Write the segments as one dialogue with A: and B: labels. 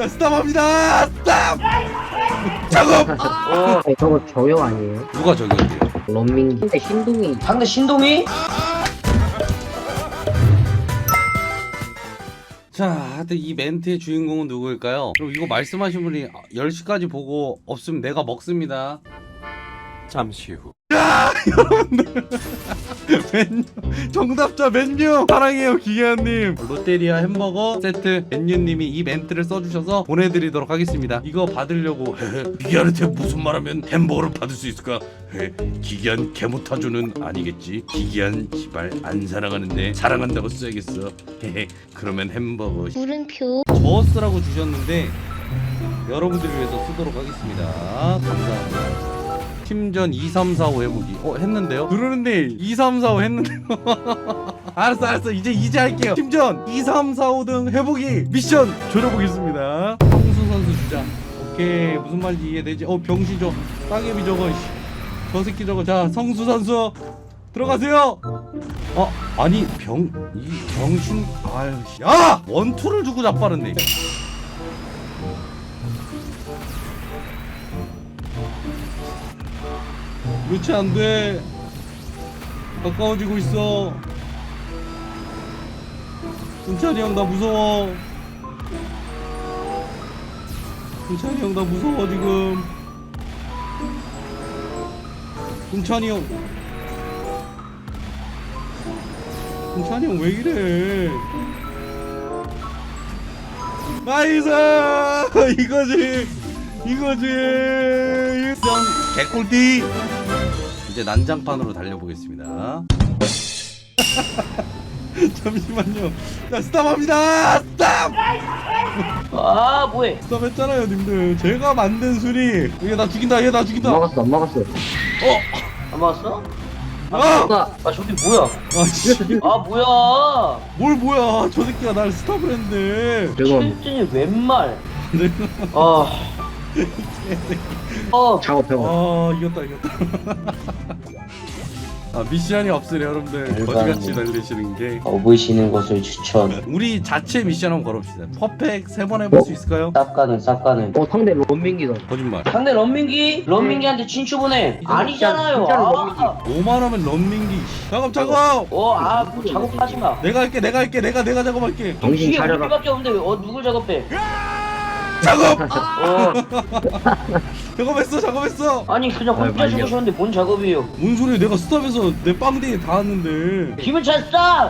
A: 스탑합니다. 스탑. 작업.
B: 아니, 저거 저요 아니에요?
A: 누가 저기였대요?
B: 런민기. 근데 신동이
C: 상대 신동이?
A: 자, 하여튼 이 멘트의 주인공은 누구일까요? 그럼 이거 말씀하신 분이 10시까지 보고 없으면 내가 먹습니다.
D: 잠시 후.
A: 여러분들 맨유 정답자 맨유 사랑해요 기계한님. 롯데리아 햄버거 세트 맨유님이 이 멘트를 써주셔서 보내드리도록 하겠습니다. 이거 받으려고 기계한한테 무슨 말하면 햄버거를 받을 수 있을까? 기계한 개못타주는 아니겠지. 기계한 지발 안 사랑하는데 사랑한다고 써야겠어. 그러면 햄버거
E: 물음표.
A: 저스라고 주셨는데 여러분들을 위해서 쓰도록 하겠습니다. 감사합니다. 팀전 2, 3, 4, 5 해보기. 했는데요? 그러는데 2, 3, 4, 5 했는데요. 알았어 이제 할게요. 팀전 2, 3, 4, 5 등 해보기 미션 조져보겠습니다. 성수 선수 주자. 오케이 무슨 말인지 이해되지? 병신 저 땅개비 저거 저 새끼 저거. 자 성수 선수 들어가세요. 아니 이 병신. 아유 야 원투를 주고 자빠르네. 그렇지 안돼. 가까워지고 있어. 승찬이 형 나 무서워. 승찬이 형 나 무서워 지금. 승찬이 형 왜 이래. 나이스. 이거지 개꿀띠. 이제 난장판으로 달려보겠습니다. 잠시만요. 자 스탑합니다. 스탑.
C: 아 뭐해?
A: 스탑했잖아요 님들. 제가 만든 술이. 얘 나 죽인다.
B: 안 막았어.
C: 안 맞았어?
A: 아
C: 저기 뭐야?
A: 씨.
C: 뭐야?
A: 뭘 뭐야. 저 새끼가 날 스탑을 했는데.
B: 지금
C: 실진이 웬말?
B: 작업해봐.
A: 이겼다. 미션이 없으려 여러분들 거지같이 달리시는 게.
C: 보이시는 것을 추천.
A: 우리 자체 미션 한번 걸어봅시다. 퍼펙 3번 해볼 수 있을까요?
C: 쌉가는.
B: 상대 런민기다.
A: 거짓말.
C: 상대 런민기한테 친추 보내. 아니잖아요.
B: 진짜 런민기.
A: 5만원면 런민기. 작업.
C: 뭐 작업하지 마.
A: 내가 할게. 내가 작업할게.
B: 정신
C: 뒤에
B: 차려라.
C: 우리밖에 없는데 누굴 작업해?
A: 작업.
C: 어.
A: 작업했어.
C: 아니 그냥 혼자
B: 말려.
C: 죽으셨는데 뭔 작업이에요?
A: 뭔 소리야. 내가 스탑해서 내 빵댕이 닿았는데.
C: 기분 찼어!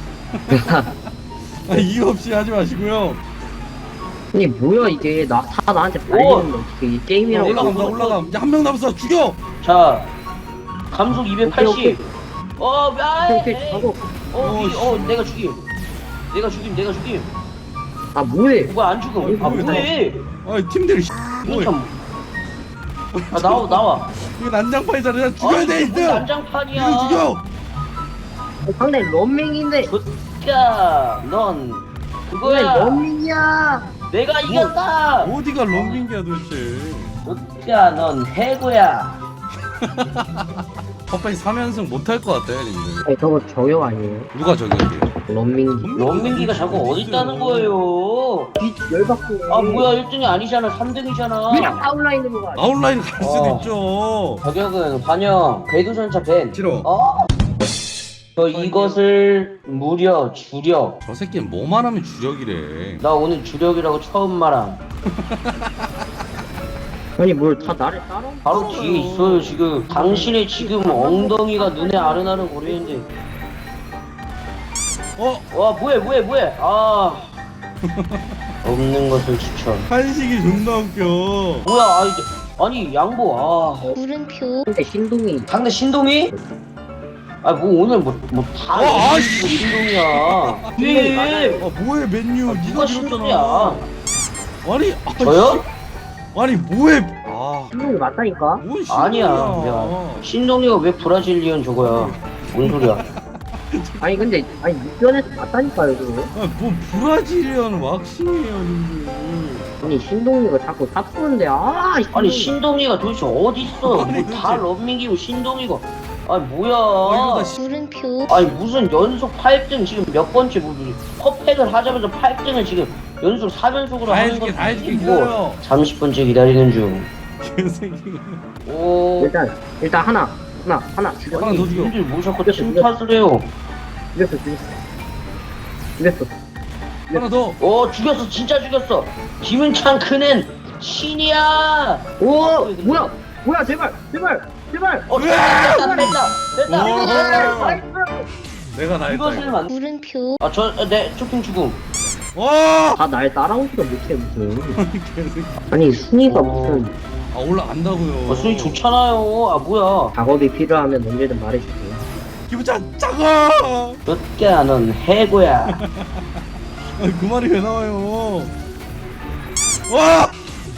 A: 이유 없이 하지 마시고요.
B: 아니 뭐야 이게 나한테 발리는데 어떻게 이 게임이라고.
A: 올라가. 이제 한 명 남았어. 죽여.
C: 자 감속 280.
B: 오케이.
C: 에이.
B: 작업.
C: 내가 죽임.
B: 아 뭐해?
C: 뭐야 안 죽음. 뭐해?
A: 팀들
C: 이거 참. 나와.
A: 이거 난장판이잖아. 죽여야 돼.
C: 이거 난장판이야.
A: 이거 죽여.
B: 상대 런민기인데.
C: 야, 넌
B: 왜
C: 그거야.
B: 런민이야?
C: 내가 이겼다.
A: 어디가 런민기야 도대체.
C: 야, 넌 해고야.
A: 퍼펙 3연승 못할 것 같아요 님들.
B: 아니 저거 저요 아니에요?
A: 누가 저기였대요?
B: 런민기.
C: 런민기가 자꾸 어디 있다는 거예요?
B: 열받고.
C: 뭐야 1등이 아니잖아. 3등이잖아.
B: 그냥 아웃라인으로 가.
A: 아웃라인 갈 수도 있죠.
C: 가격은 반영. 궤도전차 밴.
A: 싫어.
C: 이것을 무려 주력.
A: 저 새끼는 뭐만 하면 주력이래.
C: 나 오늘 주력이라고 처음 말함.
B: 아니 뭘 다 나를 따라?
C: 바로 뒤에 있어요 지금. 당신의 지금 엉덩이가 눈에 아른아른 거리는데. 와 뭐해. 없는 것을 추천.
A: 한식이 존나 웃겨.
C: 뭐야 아니 양보.
E: 물음표.
B: 상대 신동이.
C: 상대 신동이? 뭐 오늘 뭐다 신동이야. 왜?
A: 뭐해 맨유.
C: 누가 신동이야?
A: 아니
C: 저요?
A: 아니 뭐해.
B: 신동이 맞다니까?
A: 뭔
C: 아니야.
A: 신동이야.
C: 내가 신동이가 왜 브라질리언 저거야? 뭔 소리야?
B: 아니 근데 육변에서 맞다니까요 저거.
A: 뭐 브라질리언 왁싱이에요 님들.
B: 아니 신동이가 자꾸 사푸는데
C: 아니 신동이가 도대체 어디 있어?
A: 아니,
C: 다 런민기고 신동이고. 뭐야?
A: 이거 다
E: 물음표.
C: 무슨 연속 8등 지금 몇 번째 퍼펙을 하자면서 8등을 지금 연속 4변속으로
A: 다
C: 하는
A: 해줄게
C: 거
A: 다 해줄게
C: 뭐
A: 기다려
C: 30분째 기다리는 중.
A: 개새끼
C: 오.
B: 일단 하나 죽여.
A: 하나 더 죽여.
C: 님들 뭐 자꾸 침탓을 해요.
B: 죽였어.
A: 하나 더
C: 오 죽였어 진짜 죽였어. 김은찬 그는 신이야.
B: 오 뭐야 제발.
C: 어 됐다.
A: 내가 다
C: 이것을
A: 했다
C: 만.
E: 물음표
C: 아저내 쇼핑 죽음.
A: 와
B: 다 날 따라오지도 못해 무슨.
A: 개새끼
B: 아니 순위가
C: 어.
B: 무슨
A: 아 올라간다고요
C: 순위 좋잖아요. 아 뭐야.
B: 작업이 필요하면 언제든 말해줄게.
A: 기부장 작아
C: 몇개야 넌 해고야.
A: 그 말이 왜 나와요 와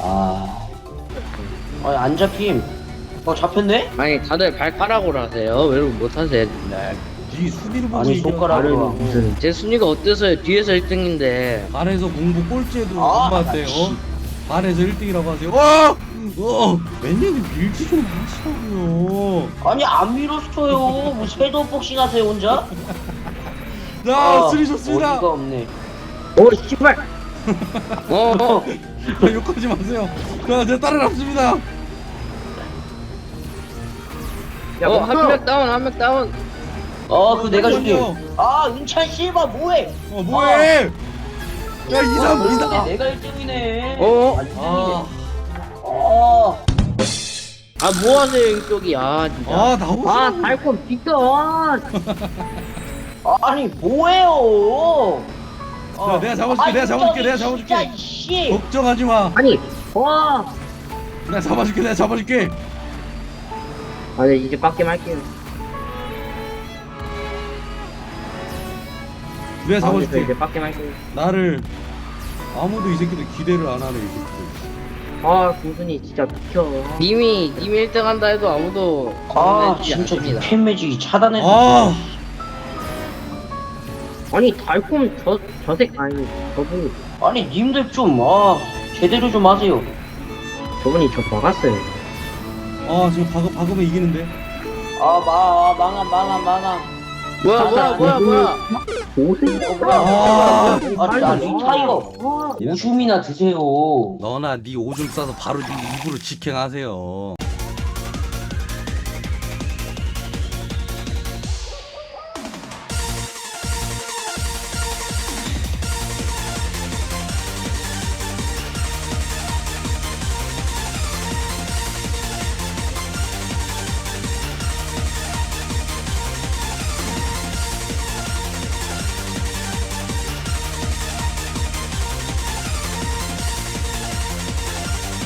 C: 안 잡힘. 잡혔네?
F: 아니 다들 발가락으로 하세요. 왜 못하세요 맨날.
A: 네 순위를 보고
C: 아니
A: 얘기하고
C: 손가락으로.
B: 나는 무슨
F: 제 순위가 어때서요? 뒤에서 1등인데.
A: 반에서 공부 꼴찌해도
C: 아,
A: 안 봤대요 반에서 1등이라고 하세요 와! 맨날 밀지 좀 하시라고요
C: 아니 안 밀었어요. 뭐 섀도우 복싱 하세요 혼자?
A: 자 수리 좋습니다
C: 어이가 없네.
B: 오 씨발.
A: 욕하지 마세요 자 제가 따라잡습니다
B: 야
F: 한 명 다운, 한 명 다운.
C: 그거 내가 줄게.
A: 잠깐만요.
C: 은찬 실바 뭐해?
A: 뭐해 야 이삼
C: 근데 내가 1등이네.
A: 아,
F: 뭐 하세요 이쪽이? 진짜.
A: 나오시라고
B: 달콤 비켜.
C: 아니 뭐해요?
A: 자, 내가 잡아줄게.
C: 진짜 씨.
A: 걱정하지 마
B: 아니 와.
A: 내가 잡아줄게
B: 아니 이제 빡게 할게요.
A: 내가 잡아줄게
B: 이제 빡게 할게요.
A: 나를 아무도 이 새끼들 기대를 안 하네 이 새끼들
B: 공순이 진짜 비켜.
F: 님이 1등 한다 해도 아무도
C: 진짜
F: 않습니다.
C: 팬 매직이 차단했어.
B: 아니 달콤 저색 아니 저분
C: 아니 님들 좀 제대로 좀 하세요.
B: 저분이 저 막았어요.
A: 지금 박으면 이기는데
C: 망함.
F: 뭐야?
B: 오승.
C: 나 링타이거. 오줌이나 드세요.
A: 너나 네 오줌 싸서 바로 네 입으로 직행하세요